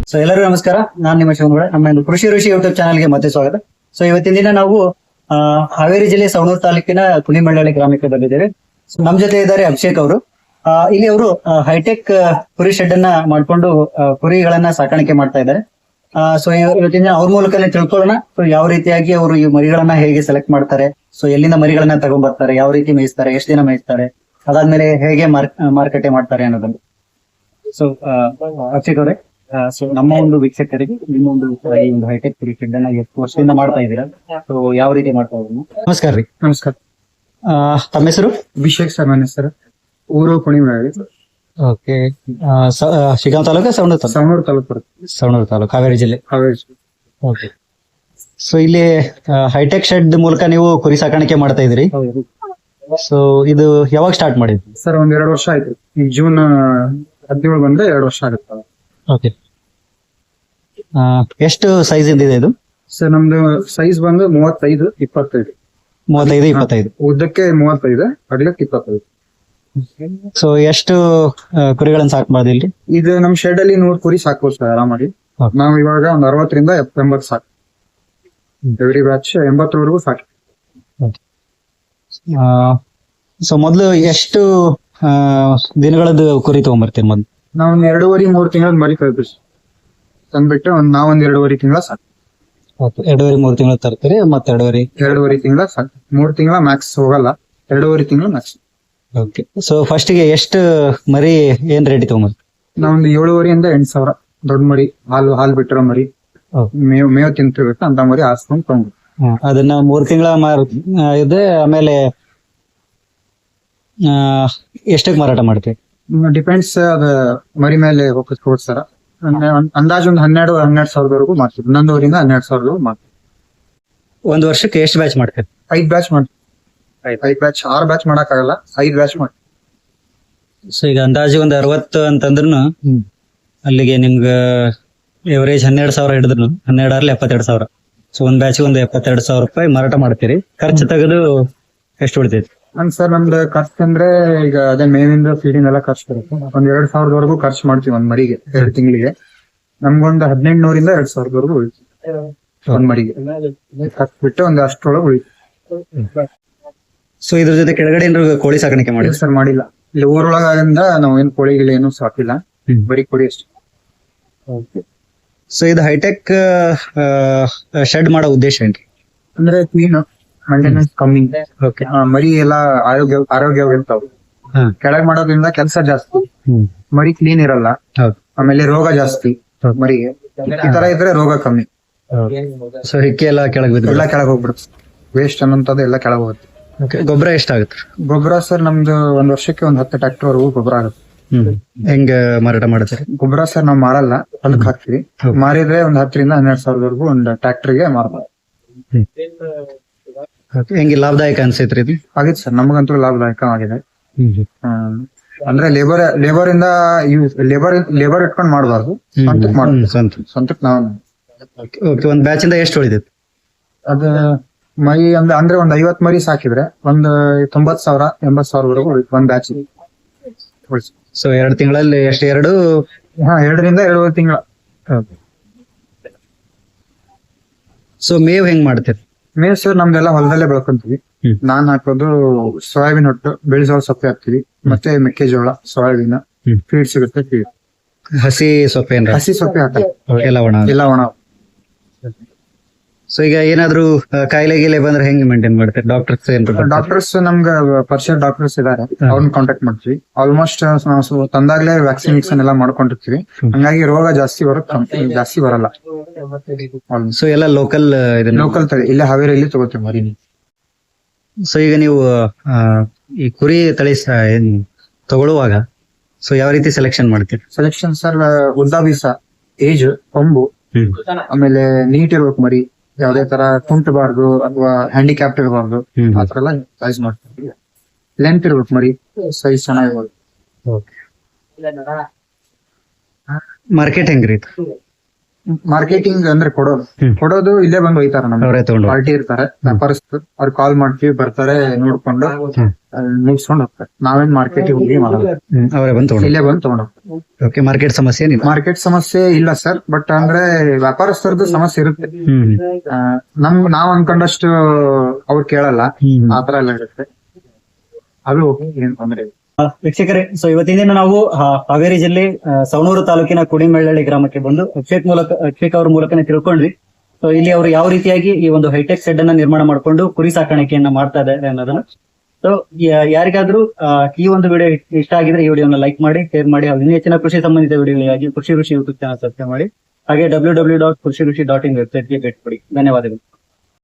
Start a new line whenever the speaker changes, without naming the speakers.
So ಎಲ್ಲರಿಗೂ ನಮಸ್ಕಾರ. ನಾನು ನಿಮ್ಮ ಶಿವನಗೌಡ. ನಮ್ಮ ಒಂದು ಕೃಷಿ ಋಷಿ ಯೂಟ್ಯೂಬ್ ಚಾನಲ್ಗೆ ಮತ್ತೆ ಸ್ವಾಗತ. ಸೊ ಇವತ್ತಿನ ದಿನ ನಾವು ಹಾವೇರಿ ಜಿಲ್ಲೆ ಸವಣೂರು ತಾಲೂಕಿನ ಕುಣಿಮಳ್ಳಳ್ಳಿ ಗ್ರಾಮಕ್ಕೆ ಬಂದಿದ್ದೇವೆ. ಸೊ ನಮ್ಮ ಜೊತೆ ಇದ್ದಾರೆ ಅಭಿಷೇಕ್ ಅವರು. ಇಲ್ಲಿ ಅವರು ಹೈಟೆಕ್ ಕುರಿ ಶೆಡ್ ಅನ್ನ ಮಾಡ್ಕೊಂಡು ಕುರಿಗಳನ್ನ ಸಾಕಾಣಿಕೆ ಮಾಡ್ತಾ ಇದ್ದಾರೆ. ಸೊ ಇವತ್ತಿನ ಅವ್ರ ಮೂಲಕನೇ ತಿಳ್ಕೊಳ್ಳೋಣ. ಸೊ ಯಾವ ರೀತಿಯಾಗಿ ಅವರು ಈ ಮರಿಗಳನ್ನ ಹೇಗೆ ಸೆಲೆಕ್ಟ್ ಮಾಡ್ತಾರೆ, ಸೊ ಎಲ್ಲಿಂದ ಮರಿಗಳನ್ನ ತಗೊಂಡ್ಬರ್ತಾರೆ, ಯಾವ ರೀತಿ ಮೇಯಿಸ್ತಾರೆ, ಎಷ್ಟು ದಿನ ಮೇಯಿಸ್ತಾರೆ, ಅದಾದ್ಮೇಲೆ ಹೇಗೆ ಮಾರುಕಟ್ಟೆ ಮಾಡ್ತಾರೆ ಅನ್ನೋದನ್ನು. ಸೊ ಅಭಿಷೇಕ್ ಅವರೇ, ಸೊ ನಮ್ಮ ಒಂದು ವೀಕ್ಷಕರಿಗೆ ನಿಮ್ಮ ಒಂದು ಈ ಒಂದು ಹೈಟೆಕ್ ಕುರಿ ಶೆಡ್ ಅನ್ನ ಎಷ್ಟು ವರ್ಷದಿಂದ ಮಾಡ್ತಾ ಇದ್ದೀರಾ, ಸೊ ಯಾವ ರೀತಿ ಮಾಡ್ತಾ ಇದ್ದೀರಾ? ನಮಸ್ಕಾರ ರೀ.
ನಮಸ್ಕಾರ.
ತಮ್ಮ ಹೆಸರು?
ಅಭಿಷೇಕ್ ಸರ್ ನನ್ನ ಹೆಸರು. ಊರು ಕುಣಿಮಳ್ಳಳ್ಳಿ.
ಓಕೆ. ಶಿಗಾಂವ್ ತಾಲೂಕು ಸವಣೂರು ತಾಲೂಕು?
ಸವಣೂರು ತಾಲೂಕು ಬರುತ್ತೆ.
ಸವಣೂರು ತಾಲೂಕು, ಹಾವೇರಿ ಜಿಲ್ಲೆ.
ಹಾವೇರಿ.
ಓಕೆ. ಸೊ ಇಲ್ಲಿ ಹೈಟೆಕ್ ಶೆಡ್ ಮೂಲಕ ನೀವು ಕುರಿ ಸಾಕಾಣಿಕೆ ಮಾಡ್ತಾ ಇದ್ರಿ. ಸೊ ಇದು ಯಾವಾಗ ಸ್ಟಾರ್ಟ್ ಮಾಡಿದ್ರಿ
ಸರ್? ಒಂದ್ 2 ವರ್ಷ ಆಯ್ತು. ಈಗ ಜೂನ್ 17 ಬಂದ್ರೆ 2 ವರ್ಷ ಆಗುತ್ತೆ.
ಓಕೆ. ಎಷ್ಟು ಸೈಜ್ ಇದೆ ಇದು?
ಸರ್ ನಮ್ದು ಸೈಜ್ ಬಂದು 35, 25.
35, 25.
ಉದ್ದಕ್ಕೆ 35, ಅಗಲಕ್ಕೆ 25.
ಸೊ ಎಷ್ಟು ಕುರಿಗಳನ್ನ ಸಾಕ್ಬಾರ್ದು ಇಲ್ಲಿ?
ಇದು ನಮ್ ಶೆಡ್ ಅಲ್ಲಿ 100 ಕುರಿ ಸಾಕ್ಬೋದು ಸರ್ ಆರಾಮಾಗಿ.
Okay.
ನಾವು ಇವಾಗ ಒಂದ್ 60 ರಿಂದ 80 ಸಾಕು. ಎವ್ರಿ ಬ್ಯಾಚ್ 80ವರೆಗೂ ಸಾಕು.
ಸೊ ಮೊದ್ಲು ಎಷ್ಟು ದಿನಗಳದ್ದು ಕುರಿ ತಗೊಂಡ್ಬರ್ತೀರಿ ಮೊದ್ಲು?
ನಾವ್ ಒಂದ್ 2.5-3 ತಿಂಗಳ ಮರಿ ಕಳ್ತೀವಿ. ತಂದ್ಬಿಟ್ಟು ನಾವೊಂದ್ 2.5 ತಿಂಗಳ ಸಾಕು.
2.5-3 ತಿಂಗಳು ತರ್ತೀರಿ, ಮತ್ತೆ
2.5 ತಿಂಗಳ ಸಾಕು. 3 ತಿಂಗಳ ಮ್ಯಾಕ್ಸ್ ಹೋಗಲ್ಲ, 2.5 ತಿಂಗಳ ಮ್ಯಾಕ್ಸ್.
ಓಕೆ. ಸೊ ಫಸ್ಟ್ ಗೆ ಎಷ್ಟು ಮರಿ ಏನ್ ರೇಟ್ ತಗೊಂಡ್ಬರ್ತೀರಿ?
ನಾವೊಂದು 7,500 ರಿಂದ 8,000 ದೊಡ್ಡ ಮರಿ, ಹಾಲು ಬಿಟ್ಟಿರೋ ಮರಿ, ಮೇವ್ ತಿಂತಿರ್ಬೇಕು ಅಂತ ಮರಿ ಹಾಸ್ಕೊಂಡ್ ತಗೊಂಡು
ಅದನ್ನ 3 ತಿಂಗಳ ಇದೆ. ಆಮೇಲೆ ಎಷ್ಟಕ್ಕೆ ಮಾರಾಟ ಮಾಡ್ತೀವಿ?
ಡಿಪೆಂಡ್ಸ್, ಅದ ಮರಿ ಮೇಲೆ ಹೋಗ್ಬೋದು ಸರ್. ಅಂದಾಜು ಒಂದು 12,000-12,500ವರೆಗೂ ಮಾಡ್ತೀವಿ. 11,000 ರಿಂದ 12,000ವರೆಗೂ ಮಾಡ್ತೀವಿ.
ಒಂದು ವರ್ಷಕ್ಕೆ ಎಷ್ಟು ಬ್ಯಾಚ್ ಮಾಡ್ತೀವಿ?
5 ಬ್ಯಾಚ್ ಮಾಡ್ತೀವಿ. 5 ಬ್ಯಾಚ್, 6 ಬ್ಯಾಚ್ ಮಾಡಕ್ ಆಗಲ್ಲ, 5 ಬ್ಯಾಚ್ ಮಾಡ್ತೀವಿ.
ಸೊ ಈಗ ಅಂದಾಜು ಒಂದು 60 ಅಂತಂದ್ರು ಅಲ್ಲಿಗೆ ನಿಮ್ಗ ಎವರೇಜ್ 12,000 ಹಿಡಿದ್ರು 12 72,000. ಸೊ ಒಂದ್ ಬ್ಯಾಚ್ ಒಂದು 72,000 ರೂಪಾಯಿ ಮಾರಾಟ ಮಾಡ್ತೀರಿ. ಖರ್ಚು ತೆಗೆದು ಎಷ್ಟು ಉಳಿತೈತಿ?
ಸರ್ ನಮ್ದು ಖರ್ಚು ಅಂದ್ರೆ ಈಗ ಅದೇ ಮೇವಿಂದ ಫೀಡಿಂಗ್ ಎಲ್ಲ ಖರ್ಚು ಬರುತ್ತೆ. ಒಂದ್ 2,000ವರೆಗೂ ಖರ್ಚು ಮಾಡ್ತೀವಿ ಒಂದ್ ಮರಿಗೆ 2 ತಿಂಗಳಿಗೆ. ನಮ್ಗೊಂದು 1,800 ರಿಂದ 2,000ವರೆಗೂ ಉಳಿತೀವಿ ಒಂದ್ ಮರಿಗೆ. ಖರ್ಚು ಬಿಟ್ಟು ಒಂದು ಅಷ್ಟರೊಳಗೆ ಉಳಿತೀವಿ.
ಸೊ ಇದ್ರ ಜೊತೆ ಕೆಳಗಡೆ ಏನಾದ್ರು ಕೋಳಿ ಸಾಕಾಣಿಕೆ ಮಾಡಿ?
ಸರ್ ಮಾಡಿಲ್ಲ. ಇಲ್ಲಿ ಊರೊಳಗಿಂದ ನಾವು ಏನ್ ಕೋಳಿಗಳು ಏನು ಸಾಕಿಲ್ಲ, ಬರೀ ಕೋಳಿ ಅಷ್ಟೇ.
ಸೊ ಇದು ಹೈಟೆಕ್ ಶೆಡ್ ಮಾಡೋ ಉದ್ದೇಶ ಏನ್ರಿ?
ಅಂದ್ರೆ ಕ್ಲೀನ್, ಮೇಂಟೆನೆನ್ಸ್ ಕಮ್ಮಿ, ಮರಿ ಎಲ್ಲ ಆರೋಗ್ಯವಾಗಿರ್ತಾವ. ಕೆಳಗ್ ಮಾಡೋದ್ರಿಂದ ಕೆಲಸ ಜಾಸ್ತಿ, ಮರಿ ಕ್ಲೀನ್ ಇರಲ್ಲ, ಆಮೇಲೆ ರೋಗ ಜಾಸ್ತಿ ಮರಿಗೆ. ಈ ತರ ಇದ್ರೆ ರೋಗ ಕಮ್ಮಿ.
ಸೊ ಹಿಕ್ಕಿ ಎಲ್ಲ ಕೆಳಗ್ ಬಿದ್ದು
ಎಲ್ಲ ಕೆಳಗ್ ಹೋಗ್ಬಿಡುತ್ತೆ. ವೇಸ್ಟ್ ಅನ್ನೋಂಥದ್ದು ಎಲ್ಲ ಕೆಳಗ್ ಹೋಗುತ್ತೆ.
ಗೊಬ್ಬರ ಎಷ್ಟಾಗುತ್ತೆ?
ಗೊಬ್ಬರ ಸರ್ ನಮ್ದು ಒಂದ್ ವರ್ಷಕ್ಕೆ ಒಂದು 10 ಟ್ರ್ಯಾಕ್ಟರ್ ವರೆಗೂ ಗೊಬ್ಬರ ಆಗುತ್ತೆ.
ಹೆಂಗ ಮಾರಾಟ ಮಾಡ್ತಾರೆ
ಗೊಬ್ಬರ? ಸರ್ ನಾವ್ ಮಾರಲ್ಲ, ಹೊಲಕ್ ಹಾಕ್ತಿವಿ. ಮಾರಿದ್ರೆ ಒಂದ್ 10 ರಿಂದ 12,000ವರೆಗೂ ಒಂದು ಟ್ರ್ಯಾಕ್ಟರ್ಗೆ ಮಾರ್ಬೋದು.
ಹೆಂಗೆ ಲಾಭದಾಯಕ ಅನ್ಸೈತ್ರಿ ಇದು?
ಆಗಿತ್ತು ಸರ್, ನಮಗಂತೂ ಲಾಭದಾಯಕ ಆಗಿದೆ. ಅಂದ್ರೆ ಲೇಬರ್ ಇಟ್ಕೊಂಡ್ ಮಾಡಬಾರ್ದು, ಸ್ವಂತಕ್ ಮಾಡ್ಬೋದು. ಸ್ವಂತಕ್ ನಾವು
ಒಂದ್ ಬ್ಯಾಚ್ ಇಂದ ಎಷ್ಟು ಉಳಿದೈತಿ?
ಅದ ಮರಿ ಅಂದ್ರೆ ಒಂದ್ 50 ಮರಿ ಸಾಕಿದ್ರೆ ಒಂದ್ 90,000 80,000ವರೆಗೂ ಒಂದ್ ಬ್ಯಾಚ್.
ಸೊ 2 ತಿಂಗಳಲ್ಲಿ ಎಷ್ಟು? 2
ರಿಂದ 2.5 ತಿಂಗಳ.
ಸೊ ಮೇವ್ ಹೆಂಗ್ ಮಾಡ್ತೀರಿ?
ಮೇವ್ ಸರ್ ನಮ್ದೆಲ್ಲ ಹೊಲದಲ್ಲೇ ಬೆಳ್ಕೊಂತೀವಿ. ನಾನ್ ಹಾಕೋದು ಸೋಯಾಬೀನ್ ಹೊಟ್ಟು, ಬೆಳೆಸೋಳ ಸೊಪ್ಪೆ ಹಾಕ್ತಿವಿ, ಮತ್ತೆ ಮೆಕ್ಕೆಜೋಳ, ಸೋಯಾಬೀನ್ ಫೀಡ್ ಸಿಗುತ್ತೆ. ಫೀಡ್
ಹಸಿ ಸೊಪ್ಪೆ ಏನ್ರ?
ಹಸಿ ಸೊಪ್ಪೆ ಹಾಕ್ತಾರೆ,
ಎಲ್ಲ ಒಣ. ಸೊ ಈಗ ಏನಾದ್ರು ಕಾಯಿಲೆ ಗೀಲೆ ಬಂದ್ರೆ ಹೆಂಗ್ ಮೇಂಟೈನ್ ಮಾಡ್ತಾರೆ?
ಡಾಕ್ಟರ್ಸ್ ನಮ್ಗೆ ಪರಿಚಯ ಡಾಕ್ಟರ್ಸ್ ಇದಾರೆ, ಅವ್ರನ್ನ ಕಾಂಟ್ಯಾಕ್ಟ್ ಮಾಡ್ತೀವಿ. ಆಲ್ಮೋಸ್ಟ್ ನಾವು ತಂದಾಗ್ಲೇ ವ್ಯಾಕ್ಸಿನೇಷನ್ ಎಲ್ಲ ಮಾಡ್ಕೊಂಡಿರ್ತೀವಿ. ಹಂಗಾಗಿ ರೋಗ ಜಾಸ್ತಿ ಬರಲ್ಲ.
ಸೊ ಎಲ್ಲ ಲೋಕಲ್
ತಳಿ ಇಲ್ಲೇ ಹಾವೇರಿಯಲ್ಲಿ ತಗೋತೀವಿ ಮರಿ.
ಸೊ ಈಗ ನೀವು ಈ ಕುರಿ ತಳಿ ತಗೊಳ್ಳುವಾಗ ಸೊ ಯಾವ ರೀತಿ ಸೆಲೆಕ್ಷನ್ ಮಾಡ್ತೀರಿ?
ಸೆಲೆಕ್ಷನ್ ಸರ್, ಉದ್ದ ಬೀಸ, ಏಜ್, ಕೊಂಬು, ಆಮೇಲೆ ನೀಟ್ ಇರ್ಬೇಕು ಮರಿ, ಯಾವ್ದೇ ತರ ಕುಂಟಬಾರ್ದು ಅಥವಾ ಹ್ಯಾಂಡಿಕ್ಯಾಪ್ಟ್ ಇರಬಾರ್ದು, ಆತರ ಎಲ್ಲ ಸೈಜ್ ಮಾಡ್ತೀವಿ. ಲೆಂತ್ ಇರ್ಬೇಕು ಮರಿ, ಸೈಜ್ ಚೆನ್ನಾಗಿರ್ಬೋದು.
ಮಾರ್ಕೆಟ್ ಹೆಂಗ್ರಿ?
ಮಾರ್ಕೆಟಿಂಗ್ ಅಂದ್ರೆ ಕೊಡೋದು ಇಲ್ಲೇ ಬಂದು ಒಯ್ತಾರ. ನಮ್ಗೆ ಪಾರ್ಟಿ ಇರ್ತಾರೆ, ವ್ಯಾಪಾರಸ್ಥರು, ಅವ್ರು ಕಾಲ್ ಮಾಡ್ತೀವಿ, ಬರ್ತಾರೆ, ನೋಡ್ಕೊಂಡು ಮುಗಿಸ್ಕೊಂಡು ಹೋಗ್ತಾರೆ. ನಾವೇನ್ ಮಾರ್ಕೆಟಿಗೆ ಹೋಗಿ ಮಾಡಲ್ಲ,
ಅವರೇ ಬಂದು
ಇಲ್ಲೇ ಬಂದು ತಗೊಂಡ್ ಹೋಗ್ತಾರೆ.
ಓಕೆ, ಮಾರ್ಕೆಟ್ ಸಮಸ್ಯೆ ಏನಿಲ್ಲ.
ಮಾರ್ಕೆಟ್ ಸಮಸ್ಯೆ ಇಲ್ಲ ಸರ್, ಬಟ್ ಅಂದ್ರೆ ವ್ಯಾಪಾರಸ್ಥರದ್ದು ಸಮಸ್ಯೆ ಇರುತ್ತೆ. ನಾವ್ ಅನ್ಕೊಂಡಷ್ಟು ಅವ್ರು ಕೇಳಲ್ಲ, ಆತರ ಎಲ್ಲ ಇರುತ್ತೆ. ಅದು ಏನ್ ತೊಂದ್ರೆ ಇಲ್ಲ.
ವೀಕ್ಷಕರೇ, ಸೊ ಇವತ್ತಿನ ದಿನ ನಾವು ಹಾವೇರಿ ಜಿಲ್ಲೆ ಸವಣೂರು ತಾಲೂಕಿನ ಕುಣಿಮೆಳ್ಳಳ್ಳಿ ಗ್ರಾಮಕ್ಕೆ ಬಂದು ಅಕ್ಷೇಕ್ ಅವ್ರ ಮೂಲಕನೇ ತಿಳ್ಕೊಂಡ್ವಿ. ಸೊ ಇಲ್ಲಿ ಅವರು ಯಾವ ರೀತಿಯಾಗಿ ಈ ಒಂದು ಹೈಟೆಕ್ ಶೆಡ್ ಅನ್ನ ನಿರ್ಮಾಣ ಮಾಡಿಕೊಂಡು ಕುರಿ ಸಾಕಾಣಿಕೆಯನ್ನ ಮಾಡ್ತಾ ಇದ್ದಾರೆ ಅನ್ನೋದನ್ನ. ಸೊ ಯಾರಿಗಾದ್ರೂ ಈ ಒಂದು ವಿಡಿಯೋ ಇಷ್ಟ ಆಗಿದ್ರೆ ಈ ವಿಡಿಯೋನ ಲೈಕ್ ಮಾಡಿ, ಶೇರ್ ಮಾಡಿ. ಇನ್ನೂ ಹೆಚ್ಚಿನ ಕೃಷಿ ಸಂಬಂಧಿತ ವಿಡಿಯೋಗಳಿಗಾಗಿ ಕೃಷಿ ಋಷಿ ಯೂಟ್ಯೂಬ್ ಚಾನಲ್ ಸಬ್ಸ್ಕ್ರೈಬ್ ಮಾಡಿ. ಹಾಗೆ www.krushirushi.in ವೆಬ್ಸೈಟ್ಗೆ ಭೇಟಿ ಕೊಡಿ. ಧನ್ಯವಾದಗಳು.